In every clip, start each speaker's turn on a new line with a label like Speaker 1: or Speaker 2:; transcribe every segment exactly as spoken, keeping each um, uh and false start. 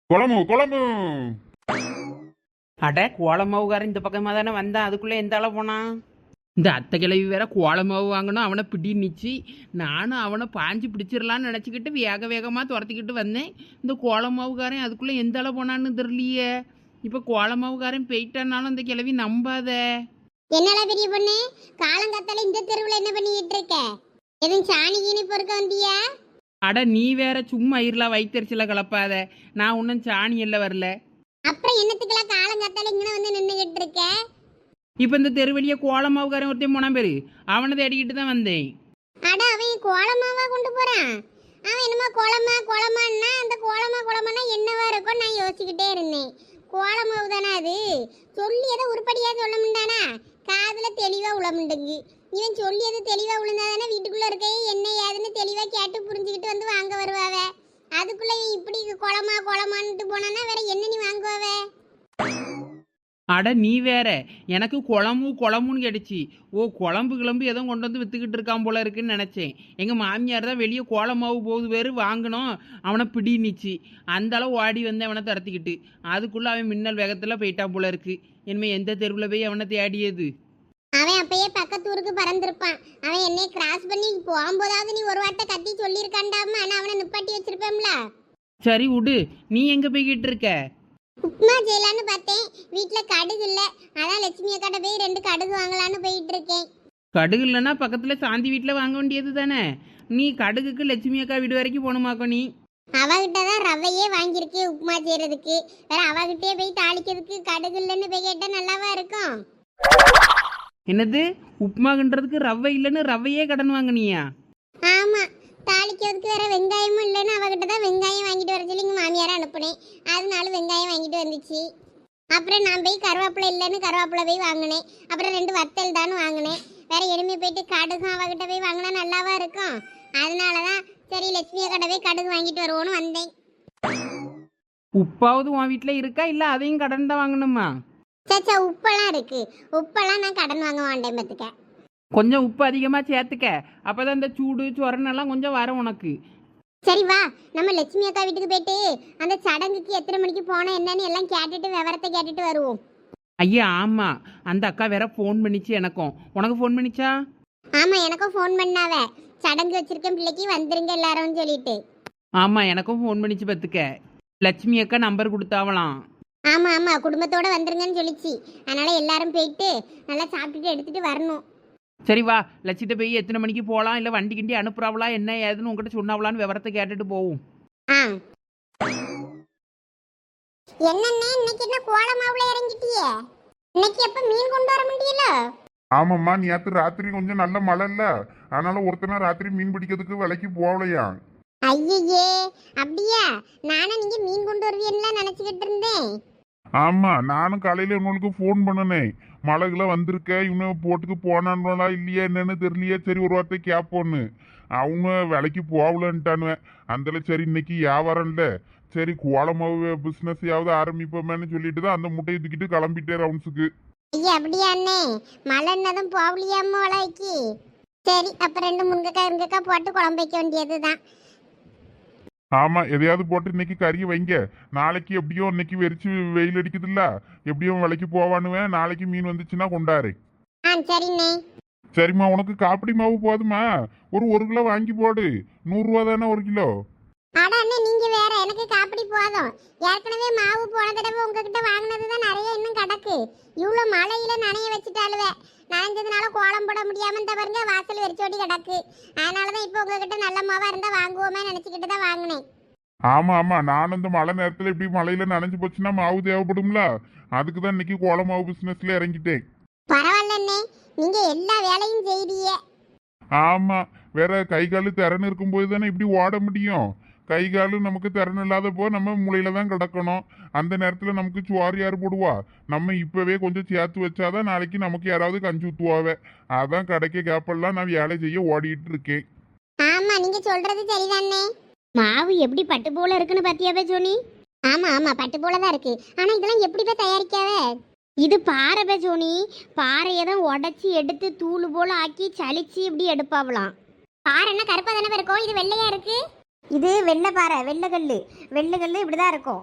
Speaker 1: குழம்பு குழம்பு.
Speaker 2: அட கோலமாவுக்காரன் இந்த பக்கமாக தானே வந்தான், அதுக்குள்ளே எந்த ஆள போனான்? இந்த அத்தை கிழவி வேற கோலமாவு வாங்கணும், அவனை பிடி நிச்சு. நானும் அவனை பாஞ்சு பிடிச்சிடலான்னு நினச்சிக்கிட்டு வேக வேகமாக துரத்திக்கிட்டு வந்தேன். இந்த கோலமாவுக்காரன் அதுக்குள்ளே எந்த ஆள போனான்னு தெரியலையே. இப்போ கோலமாவுக்காரன் போயிட்டானாலும் அந்த கிழவி நம்பாத.
Speaker 3: என்னடா பெரிய பொண்ணு, காலங்காத்தால இந்த தெருவில் என்ன பண்ணிக்கிட்டு இருக்க? எதுவும் சாணி கீனி பொறுக்க வந்தியா?
Speaker 2: அட நீ வேற சும்மா இருளா வயிற்றுச்சில கலப்பாத. நான் ஒன்றும் சாணி எல்லாம் வரல.
Speaker 3: அப்புறம் என்னத்துக்கெல்லாம் காலங்காத்தால இங்கே வந்து நின்றுகிட்டு இருக்க?
Speaker 2: இப்போ இந்த தெருவெளியே கோலமாவுக்காரன் ஒருத்தையும் போனான் பேரு, அவனை தேடிக்கிட்டு தான் வந்தேன்.
Speaker 3: அட அவன் கோலமாவா கொண்டு போறான்? அவன் என்னமோ கோலமா கோலமான்னா அந்த கோலமா கோலமானா என்னவா இருக்கும் நான் யோசிச்சுக்கிட்டே இருந்தேன். கோலமாவு தானே அது? சொல்லி எதை உருப்படியா சொல்ல முடியானா? காதுல தெளிவா உளமுண்டுங்கு. இவன் சொல்லி எது தெளிவா உளுந்தாதானே வீட்டுக்குள்ள இருக்க என்ன ஏதுன்னு தெளிவா கேட்டு புரிஞ்சுக்கிட்டு வந்து வாங்க வருவாவ. அதுக்குள்ள இப்படி குளமா குளமான்ட்டு போனானா வேற என்ன நீ வாங்குவாவ?
Speaker 2: அட நீ வேற, எனக்கு குழம்பு குழம்புன்னு கேட்டுச்சு. ஓ குழம்பு கிளம்பு எதுவும் கொண்டு வந்து வித்துக்கிட்டு இருக்கான் போல இருக்குன்னு நினச்சேன். எங்கள் மாமியார் தான் வெளியே கோலமாவு போகுது பேர் வாங்கினோம், அவனை பிடி நிச்சு. அந்த அளவு ஓடி வந்து அவனை துரத்திக்கிட்டு அதுக்குள்ளே அவன் மின்னல் வேகத்தில் போயிட்டான் போல இருக்கு. இனிமேல் எந்த தெருவில் போய் அவனை தேடியது?
Speaker 3: அவன் அப்பயே பக்கத்து ஊருக்கு பறந்துருப்பான். அவன் என்னை கிராஸ் பண்ணி போகும்போதாவது நீ ஒரு வார்த்தை கத்தி சொல்லியிருக்காண்டாம, ஆனால் அவனை நிப்பாட்டி வச்சிருப்பேன்ல.
Speaker 2: சரி விடு, நீ எங்கே போய்கிட்டு இருக்க?
Speaker 3: உப்புமா செய்யலான்னு பார்த்தேன், வீட்டில் கடுகு இல்லை. அதான் லட்சுமி அக்காட்ட போய் ரெண்டு கடுகு வாங்கலான்னு போயிட்டு இருக்கேன்.
Speaker 2: கடுகு இல்லைன்னா பக்கத்தில் சாந்தி வீட்டில் வாங்க வேண்டியது தானே. நீ கடுகுக்கு லட்சுமி அக்கா வீடு வரைக்கும் போகணுமாக்கோ? நீ
Speaker 3: அவகிட்ட தான் ரவையே வாங்கியிருக்கு உப்புமா செய்யறதுக்கு. வேற அவகிட்டே போய் தாளிக்கிறதுக்கு கடுகு இல்லைன்னு போய் கேட்டால் நல்லாவா இருக்கும்?
Speaker 2: என்னது உப்புமாகன்றதுக்கு ரவை இல்லைன்னு ரவையே கடன் வாங்கினியா?
Speaker 3: ஆமா, தாளிக்கிறதுக்கு வேற வெங்காயமும் இல்லைன்னு அவகிட்ட தான் வெங்காயம் வாங்கிட்டு வர சொல்லி எங்கள் மாமியாரை அனுப்புனேன். அதனால வெங்காயம் வாங்கிட்டு வந்துச்சு. அப்புறம் நான் போய் கருவேப்பிலை இல்லைன்னு கருவேப்பிலை போய் வாங்கினேன். அப்புறம் ரெண்டு வத்தல் தானு வாங்கினேன். வேற எருமை போயிட்டு கடுகும் அவகிட்ட போய் வாங்கினா நல்லாவா இருக்கும்? அதனால தான் சரி லட்சுமியை கடை போய் கடுகு வாங்கிட்டு வருவோன்னு வந்தேன்.
Speaker 2: உப்பாவது உன் வீட்டில் இருக்கா இல்லை அதையும் கடன் தான் வாங்கணுமா?
Speaker 3: சச்சா உப்பெல்லாம் இருக்கு. உப்பெல்லாம் நான் கடன் வாங்க மாட்டேன் பார்த்துக்க.
Speaker 2: கொஞ்சம் உப்பு அதிகமாக சேர்த்துக்க, அப்போ தான் இந்த சூடு சொரணெல்லாம் கொஞ்சம் வரும் உனக்கு.
Speaker 3: சரி வா, நம்ம லட்சுமி அக்கா வீட்டுக்கு போயிட்டு அந்த சடங்குக்கு எத்தனை மணிக்கு போனால் என்னன்னு எல்லாம் கேட்டுட்டு விவரத்தை கேட்டுட்டு வருவோம்.
Speaker 2: ஐயா ஆமாம், அந்த அக்கா வேற ஃபோன் பண்ணிச்சு எனக்கும். உனக்கு ஃபோன் பண்ணிச்சா?
Speaker 3: ஆமாம், எனக்கும் ஃபோன் பண்ணாவ. சடங்கு வச்சிருக்கேன் பிள்ளைக்கு வந்துருங்க எல்லாரும் சொல்லிட்டு.
Speaker 2: ஆமாம் எனக்கும் ஃபோன் பண்ணிச்சு பார்த்துக்க. லட்சுமி அக்கா நம்பர் கொடுத்தாவலாம்.
Speaker 3: ஆமாம் ஆமாம், குடும்பத்தோடு வந்துருங்கன்னு சொல்லிச்சு. அதனால் எல்லாரும் போயிட்டு நல்லா சாப்பிட்டுட்டு எடுத்துகிட்டு வரணும்.
Speaker 2: சரி வா, லட்சிட்ட போய் எத்தனை மணிக்கு போகலாம், இல்லை வண்டி கிண்டி அனுப்புறாவளா என்ன ஏதுன்னு உங்ககிட்ட சொன்னாவலான்னு விவரத்தை கேட்டுட்டு போவோம்.
Speaker 3: ஆ என்னண்ணே இன்னைக்கு என்ன கோலமாவுல இறங்கிட்டியே? இன்னைக்கு எப்போ மீன் கொண்டு வர முடியல?
Speaker 1: ஆமாம்மா, நேற்று ராத்திரி கொஞ்சம் நல்ல மழை இல்ல, அதனால ஒருத்தனா ராத்திரி மீன் பிடிக்கிறதுக்கு விலைக்கு போகலையா.
Speaker 3: ஐயே அப்படியா? நானும் நீங்க மீன் கொண்டு வருவீன்லாம் நினைச்சுக்கிட்டு இருந்தேன்.
Speaker 1: ஆமா, நானும் காலையில உங்களுக்கு ஃபோன் பண்ணினேன். மழைக்குள்ள வந்திருக்க, இவனு போட்டுக்கு போனான்களா இல்லையா என்னன்னு தெரியலையே. சரி ஒரு வார்த்தை கேட்போன்னு. அவங்க விலைக்கு போகலன்ட்டானுவேன். அந்த சரி இன்னைக்கு வியாபாரம் இல்லை, சரி கோலமாவு பிஸ்னஸ் யாவது ஆரம்பிப்போமேன்னு சொல்லிட்டு தான் அந்த முட்டையை தூக்கிட்டு கிளம்பிட்டே ரவுண்ட்ஸுக்கு.
Speaker 3: ஐயா அப்படியா அண்ணே? மழை என்னதும் போகலையாம வளைக்கு. சரி அப்ப ரெண்டு முருங்கைக்காய் இருங்கக்காய் போட்டு குழம்பு வைக்க வேண்டியதுதான்.
Speaker 1: ஆமா, எதையாவது போட்டு இன்னைக்கு கறியை வைங்க. நாளைக்கு எப்படியோ இன்னைக்கு வெறிச்சு வெயில் அடிக்குதுல்ல, எப்படியும் விலைக்கு போவானுவேன். நாளைக்கு மீன் வந்துச்சுன்னா கொண்டாரு.
Speaker 3: ஆ சரிண்ணே.
Speaker 1: சரிம்மா, உனக்கு காப்பிடி மாவு போதுமா? ஒரு ஒரு கிலோ வாங்கி போடு. நூறுரூவா தானே ஒரு கிலோ.
Speaker 3: அட அண்ணே நீங்க வேற, எனக்கு காப்பிடி போதும். ஏற்கனவே மாவு போன தடவை உங்ககிட்ட வாங்கினது தான் நிறைய இன்னும் கிடக்கு. இவ்வளோ மழையில நனைய வச்சுட்டாலுவே நனைஞ்சதுனால கோலம் போட முடியாம இந்த பாருங்க வாசல் வெறிச்சோடி கிடக்கு. அதனாலதான் இப்போ உங்ககிட்ட நல்ல மாவா இருந்தா வாங்குவோமே நினைச்சுக்கிட்டு தான் வாங்கினேன்.
Speaker 1: ஆமா ஆமா, நானும் இந்த மழை நேரத்துல இப்படி மழையில நனைஞ்சு போச்சுன்னா மாவு தேவைப்படும்ல, அதுக்கு தான் இன்னைக்கு கோல மாவு பிசினஸ்ல இறங்கிட்டேன்.
Speaker 3: பரவாயில்ல அண்ணே, நீங்க எல்லா வேலையும் செய்றீங்க.
Speaker 1: ஆமா, வேற கை காலு திறன் இருக்கும்போது தானே இப்படி ஓட முடியும். கை காலு நமக்கு திறன் இல்லாத போ நம்ம மூளையில தான் கிடக்கணும். அந்த நேரத்துல நமக்கு சுவார் யார் போடுவா? நம்ம இப்பவே கொஞ்சம் சேர்த்து வச்சாதான் நாளைக்கு நமக்கு யாராவது கஞ்சி ஊத்துவாவே. அதான் கிடைக்க கேப்பெல்லாம் நான் வேலை செய்ய ஓடிட்டு இருக்கேன்.
Speaker 3: ஆமா நீங்க சொல்றது சரிதானே. மாவு எப்படி பட்டு போல இருக்குன்னு பாத்தியாவே ஜோனி? ஆமா ஆமா பட்டு போல தான் இருக்கு. ஆனா இதெல்லாம் எப்படி போய் தயாரிக்காவே? இது பாறை பே ஜோனி. பாறையை தான் உடைச்சி எடுத்து தூள் போல ஆக்கி சலிச்சு இப்படி எடுப்பாவலாம். பாறைன்னா கருப்பா தானே இருக்கும், இது வெள்ளையா இருக்கு. இது வெள்ளை பாறை, வெள்ளை கல்லு. வெள்ளை கல்லு இப்படிதான் இருக்கும்.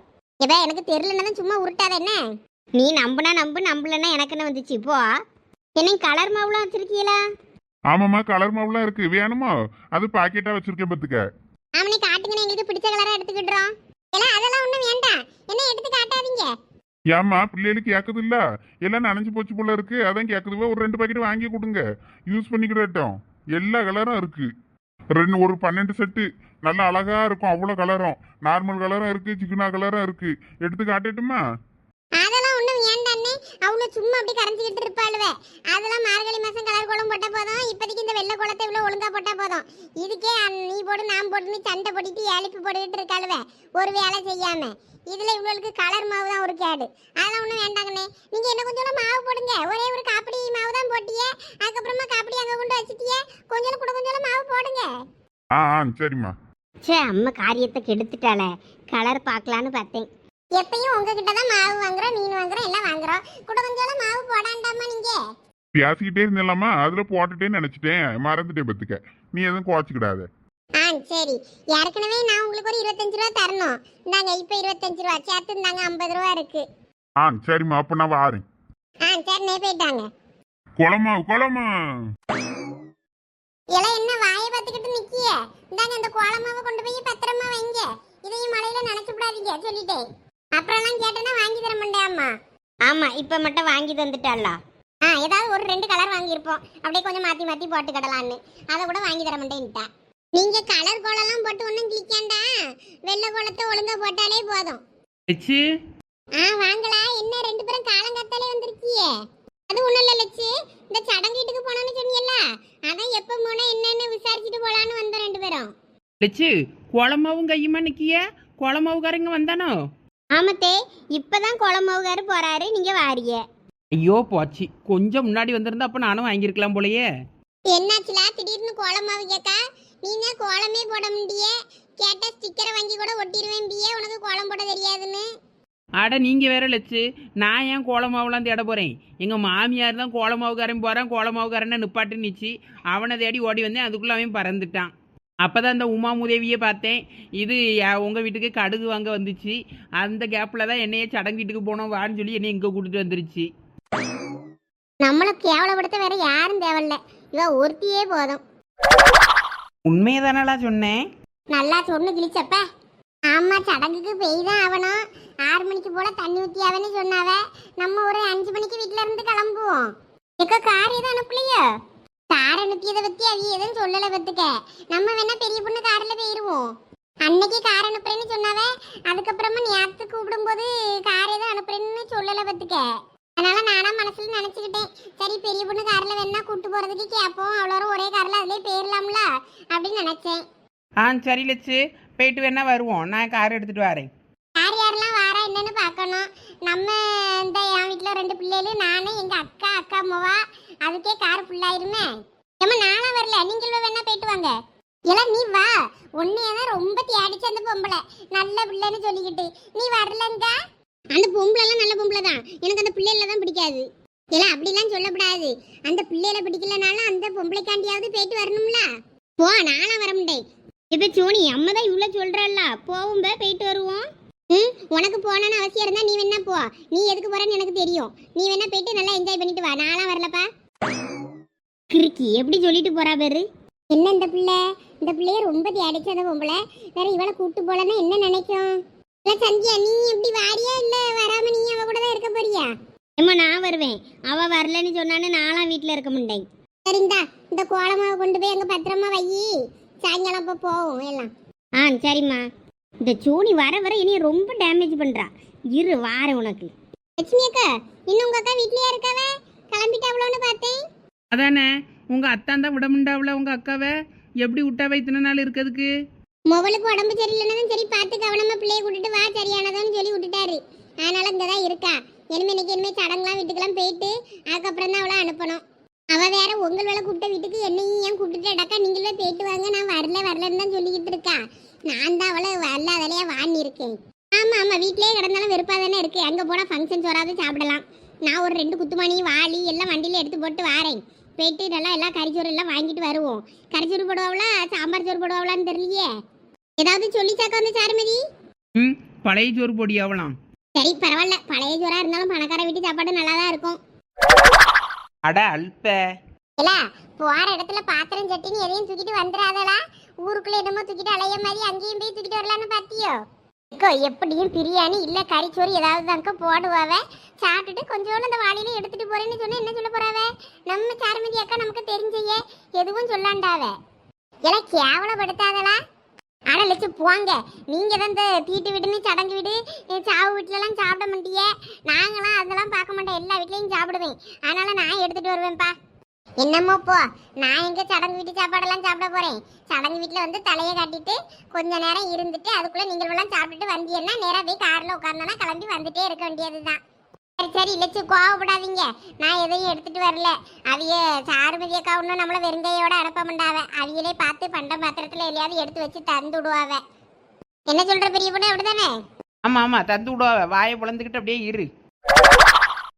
Speaker 3: எப்ப எனக்கு தெரியலன்னா தான் சும்மா உருட்டாத என்ன. நீ நம்புனா நம்பு, நம்பலன்னா எனக்கு என்ன வந்துச்சு இப்போ. என்ன கலர் மாவுலாம் வச்சிருக்கீங்களா?
Speaker 1: ஆமாம்மா, கலர் மாவுலாம் இருக்கு, வேணுமா? அது பாக்கெட்டா வச்சிருக்கேன் பத்துக்க.
Speaker 3: ஆமனே காட்டுங்க, எங்களுக்கு பிடிச்ச கலரா எடுத்துக்கிடுறோம். எல்லாம் அதெல்லாம் ஒண்ணும் வேண்டாம், என்ன எடுத்து காட்டாதீங்க.
Speaker 1: ஏம்மா, பிள்ளைகளுக்கு கேட்குது இல்ல, எல்லாம் நனைஞ்சு போச்சு போல இருக்கு, அதான் கேட்குதுவா. ஒரு ரெண்டு பாக்கெட் வாங்கி கொடுங்க, யூஸ் பண்ணிக்கிடட்டும். எல்லா கலரும் இருக்கு. ரெண்டு ஒரு பன்னெண்டு செட்டு நல்லா அழகா இருக்கும், அவ்வளோ கலரும். நார்மல் கலரும் இருக்கு, சிக்கனா கலரும் இருக்கு. எடுத்து காட்டட்டுமா?
Speaker 3: அதெல்லாம் ஒண்ணும் வேண்டாண்ணே, அவ்வளோ சும்மா அப்படி கரைஞ்சிக்கிட்டு இருப்பாளுவே. அதெல்லாம் மார்கழி மாசம் கலர் கோலம் போட்டா போதும். இப்போதைக்கு இந்த வெள்ளை கோலத்தை இவ்வளோ ஒழுங்கா போட்டா போதும். இதுக்கே அந்~ நீ போடு நான் போட்டுன்னு சண்டை போட்டுட்டு எழுப்பி போட்டுக்கிட்டு இருக்காளுவே ஒரு வேலை செய்யாம. இதுல இவ்வளவுக்கு கலர் மாவு தான் ஒரு கேடு. அதெல்லாம் ஒண்ணும் வேண்டாங்கண்ணே. நீங்க என்ன கொஞ்சம் மாவு போடுங்க. ஒரே ஒரு காப்பிடி மாவு தான் போட்டியே, அதுக்கப்புறமா காப்பிடி அங்க கொண்டு வச்சிட்டியே. கொஞ்சம் கூட கொஞ்சம் மாவு போடுங்க.
Speaker 1: ஆ ஆ சரிம்மா.
Speaker 3: சே, அம்மா காரியத்தை கெடுத்துட்டாளே. கலர் பார்க்கலான்னு பார்த்தேன். எப்பயும் உங்ககிட்ட தான் மாவு வாங்குறோம், மீன் வாங்குறோம், எல்லாம் வாங்குறோம். கூட கொஞ்சம் மாவு போடாண்டாமா நீங்க.
Speaker 1: பேசிக்கிட்டே இருந்தேலாமா, அதுல போட்டுட்டேன்னு நினைச்சிட்டேன், மறந்துட்டேன் பத்துக்க. நீ எதுவும் குறைச்சிக்கிடாத.
Speaker 3: ஆ சரி. ஏற்கனவே நான் உங்களுக்கு ஒரு இருபத்தஞ்சு ரூபா தரணும். இந்தாங்க இப்போ இருபத்தஞ்சு ரூபா சேர்த்து இந்தாங்க ஐம்பது ரூபா இருக்கு.
Speaker 1: ஆ சரிம்மா, அப்ப நான் வாரேன்.
Speaker 3: ஆ சரி, நே போயிட்டாங்க.
Speaker 1: குளமா குளமா
Speaker 3: எல்லாம் என்ன வாயை பார்த்துக்கிட்டு நிக்கிய? இந்தாங்க இந்த கோலமாவை கொண்டு போய் பத்திரமா வைங்க. இதையும் மழையில நினைச்சு விடாதீங்க சொல்லிட்டேன். அப்புறம்லாம் கேட்டேன்னா வாங்கி தர மாட்டேம்மா. ஆமா, இப்ப மட்டும் வாங்கி தந்துட்டாளா? ஆ ஏதாவது ஒரு ரெண்டு கலர் வாங்கியிருப்போம், அப்படியே கொஞ்சம் மாத்தி மாத்தி போட்டு கடலான்னு. அதை கூட வாங்கி தர மாட்டேன்ட்டா. நீங்க கலர் கோலம்லாம் போட்டு ஒன்றும் கிளிக்காண்டா, வெள்ளை கோலத்தை ஒழுங்கா போட்டாலே போதும்.
Speaker 2: லட்சு,
Speaker 3: ஆ வாங்களா, என்ன ரெண்டு பேரும் காலங்காத்தாலே வந்திருக்கியே? அது ஒண்ணும் இல்ல லட்சு, இந்த சடங்கு வீட்டுக்கு போனோம்னு சொன்னியல்ல, அதான் எப்ப போனா என்னன்னு விசாரிச்சுட்டு போலான்னு வந்தோம் ரெண்டு பேரும்.
Speaker 2: லட்சு, குளமாவும் கையுமா நிக்கிய? குளமாவுக்காரங்க வந்தானோ?
Speaker 3: ஆமத்தே, இப்பதான் குளமாவுகாரு போறாரு, நீங்க வாரிய.
Speaker 2: ஐயோ போச்சு, கொஞ்சம் முன்னாடி வந்திருந்தா அப்ப நானும் வாங்கியிருக்கலாம் போலயே.
Speaker 3: என்னாச்சுலா திடீர்னு கோலமாவு கேக்கா? நீங்க கோலமே போட முடியே, கேட்ட ஸ்டிக்கரை வாங்கி கூட ஒட்டிடுவேன் பியே, உனக்கு கோலம் போட தெரியாதுன்னு.
Speaker 2: அட நீங்க வேற லட்சு, நான் ஏன் கோலமாவுலாம் தேட போறேன்? எங்க மாமியார் தான் கோலமாவுக்காரன் போறான், கோலமாவுக்காரனை நிப்பாட்டு நிச்சு அவனை தேடி ஓடி வந்தேன். அதுக்குள்ள அவன் பறந்துட்டான். அப்பதான் இந்த உமா உதவியை பார்த்தேன். இது யா- உங்க வீட்டுக்கு கடுகு வாங்க வந்துச்சு. அந்த கேப்ல தான் என்னையே சடங்கு வீட்டுக்கு போனோம் வான்னு சொல்லி என்னை இங்க கூட்டிட்டு வந்துருச்சு.
Speaker 3: நம்மள கேவலப்படுத்த வேற யாரும் தேவையில்ல, இவ ஒருத்தியே போதும்.
Speaker 2: உண்மையை தானடா சொன்னேன்.
Speaker 3: நல்லா சொன்னு கிழிச்சப்ப. ஆமா, சடங்குக்கு பெய் தான் ஆகணும். ஆறு மணிக்கு போல தண்ணி ஊத்தியாவன்னு சொன்னாவ. நம்ம ஒரு அஞ்சு மணிக்கு வீட்டுல இருந்து கிளம்புவோம். எக்க கார் எதுவும் அனுப்பலையோ? கார் அனுப்பியதை பத்தி அவி எதுவும் சொல்லலை பத்துக்க. நம்ம வேணா பெரிய பொண்ணு கார்ல போயிருவோம். அன்னைக்கு கார் அனுப்புறேன்னு சொன்னாவ, அதுக்கப்புறமா நேரத்து கூப்பிடும் போது கார் எதுவும் அனுப்புறேன்னு சொல்லலை பத்துக்க. அதனால நானா மனசுல நினைச்சுக்கிட்டேன், சரி பெரிய பொண்ணு கார்ல வேணா கூட்டு போறதுக்கு கேட்போம், அவ்வளோ ஒரே கார்ல அதுலயே போயிடலாம்ல அப்படின்னு நினைச்சேன்.
Speaker 2: ஆ சரி லட்சு, போயிட்டு வேணா வருவோம். நான் கார் எடுத்துட்டு வரேன்.
Speaker 3: யார் யாரெல்லாம் வாரா என்னன்னு பார்க்கணும். நம்ம இந்த என் வீட்டில் ரெண்டு பிள்ளைகள், நானே எங்க அக்கா அக்கா அம்மாவா, அதுக்கே கார் ஃபுல்லாயிருமே. ஏமா நானா வரல, நீங்களும் வேணா போயிட்டு வாங்க. எல்லாம் நீ வா, உன்னையதான் ரொம்ப தேடிச்சு அந்த பொம்பளை, நல்ல பிள்ளைன்னு சொல்லிக்கிட்டு. நீ வரலங்க. அந்த பொம்பளை எல்லாம் நல்ல பொம்பளை தான், எனக்கு அந்த பிள்ளைகள தான் பிடிக்காது. எல்லாம் அப்படிலாம் சொல்லக்கூடாது. அந்த பிள்ளைகளை பிடிக்கலனாலும் அந்த பொம்பளைக்காண்டியாவது போயிட்டு வரணும்ல. போ, நானா வர முடியும். இப்ப சோனி அம்மா தான் இவ்வளவு சொல்றல்ல, போவும் போயிட்டு வருவோம். ம், உனக்கு போனான்னு அவசியம் இருந்தா நீ வேணா போ. நீ எதுக்கு போறன்னு எனக்கு தெரியும். நீ வேணா போயிட்டு நல்லா என்ஜாய் பண்ணிட்டு வா. நான்லாம் வரலப்பா. கிறுக்கி எப்படி சொல்லிட்டு போறா பேரு. என்ன இந்த பிள்ளை, இந்த பிள்ளைய ரொம்ப தேடிச்சு அந்த பொம்பளை. வேற இவளை கூட்டு போலன்னா என்ன நினைக்கும்? இல்ல சந்தியா, நீ எப்படி வாரியா இல்ல வராம நீ அவ கூட தான் இருக்க போறியா? ஏமா நான் வருவேன், அவ வரலன்னு சொன்னான்னு நான்லாம் வீட்டுல இருக்க மாட்டேன். சரிந்தா, இந்த கோலமாவை கொண்டு போய் அங்க பத்திரமா வை, சாயங்காலம் அப்ப போவோம் எல்லாம். ஆ சரிம்மா. இந்த சோனி வர வர இனி ரொம்ப டேமேஜ் பண்றா. இரு வார உனக்கு. லட்சுமி அக்கா, இன்னும் உங்க அக்கா வீட்லயே இருக்காவ? கிளம்பிட்டாவளோன்னு பார்த்தேன்.
Speaker 2: அதானே, உங்க அத்தான் தான் விட முண்டாவுல உங்க அக்காவை எப்படி விட்டாவை இத்தனை நாள் இருக்கிறதுக்கு?
Speaker 3: மொபைலுக்கு உடம்பு சரியில்லைன்னு சரி பார்த்து கவனமா பிள்ளைய கூட்டிட்டு வா, சரியானதான்னு சொல்லி விட்டுட்டாரு. அதனால இங்கதான் இருக்கா. இனிமே இன்னைக்கு இனிமே சடங்குலாம் வீட்டுக்கெல்லாம் போயிட்டு அதுக்கப்புறம் தான் அவளை அனுப்பணும். அவ வேற உங்கள் வேலை கூப்பிட்ட வீட்டுக்கு என்னையும் ஏன் கூப்பிட்டுட்டு அடக்கா நீங்களே போயிட்டு வாங்க, நான் வரல வரலன்னு தான் சொல்லிக்கிட்டு இருக்கா. நான் தான் அவளை வரல அதிலேயே வாங்கி இருக்கேன். ஆமா ஆமா, வீட்லயே கிடந்தாலும் வெறுப்பா தானே இருக்கு. அங்க போனா ஃபங்க்ஷன் வராது சாப்பிடலாம். நான் ஒரு ரெண்டு குத்துமணி வாளி எல்லாம் வண்டியில எடுத்து போட்டு வாரேன். போயிட்டு நல்லா எல்லாம் கறிச்சோறு எல்லாம் வாங்கிட்டு வருவோம். கறிச்சோறு போடுவாங்களா சாம்பார் சோறு போடுவாங்களான்னு தெரியலையே. ஏதாவது சொல்லி சாக்க வந்து சாருமதி.
Speaker 2: ம் பழைய சோறு பொடி ஆகலாம்.
Speaker 3: சரி பரவாயில்ல, பழைய சோறா இருந்தாலும் பணக்கார வீட்டு சாப்பாடு நல்லா தான் இருக்கும்.
Speaker 2: அட அல்ப.
Speaker 3: இல்ல போற இடத்துல பாத்திரம் சட்டின்னு எதையும் தூக்கிட்டு வந்துடாதடா. ஊருக்குள்ள என்னமோ தூக்கிட்டு அலைய மாதிரி அங்கேயும் போய் தூக்கிட்டு வரலான்னு பாத்தியோ? அக்கா எப்படியும் பிரியாணி இல்ல கறிச்சோறு ஏதாவது தாங்க போடுவாவ. சாப்பிட்டுட்டு கொஞ்சோண்டு அந்த வாளியில எடுத்துட்டு போறேன்னு சொன்னா என்ன சொல்ல போறாவ? நம்ம சாருமதி அக்கா நமக்கு தெரிஞ்சையே எதுவும் சொல்லாண்டாவ. எல்லாம் கேவலப்படுத்தாதலா. ஆனா லட்சு போங்க, நீங்க தான் இந்த தீட்டு வீடுன்னு சடங்கு வீடு சாவு வீட்டுல எல்லாம் சாப்பிட மாட்டியே. நாங்களாம் அதெல்லாம் பார்க்க மாட்டோம், எல்லா வீட்லயும் சாப்பிடுவேன். அதனால நான் எடுத்துட்டு வருவேன்ப்பா. என்னமோ போ, நான் எங்க சடங்கு வீட்டு சாப்பாடெல்லாம் சாப்பிட போறேன். சடங்கு வீட்டுல வந்து தலையை காட்டிட்டு கொஞ்ச நேரம் இருந்துட்டு அதுக்குள்ள நீங்கள் எல்லாம் சாப்பிட்டுட்டு வந்தீங்கன்னா நேரா போய் கார்ல உட்கார்ந்தோன்னா கிளம்பி வந்துட்டே இருக்க வேண்டியதுதான். சரி சரி லட்சு கோவப்படாதீங்க, நான் எதையும் எடுத்துட்டு வரல. அவிய சாருமதி அக்கா ஒன்றும் நம்மள வெறுங்கையோட அனுப்ப மாட்டாவ. அவியலே பார்த்து பண்ட பாத்திரத்துல எதையாவது எடுத்து வச்சு தந்து விடுவாவ. என்ன சொல்ற பெரிய பொண்ணு, அப்படிதானே?
Speaker 2: ஆமாம் ஆமாம் தந்து விடுவா. வாயை பிளந்துக்கிட்டு அப்படியே இரு.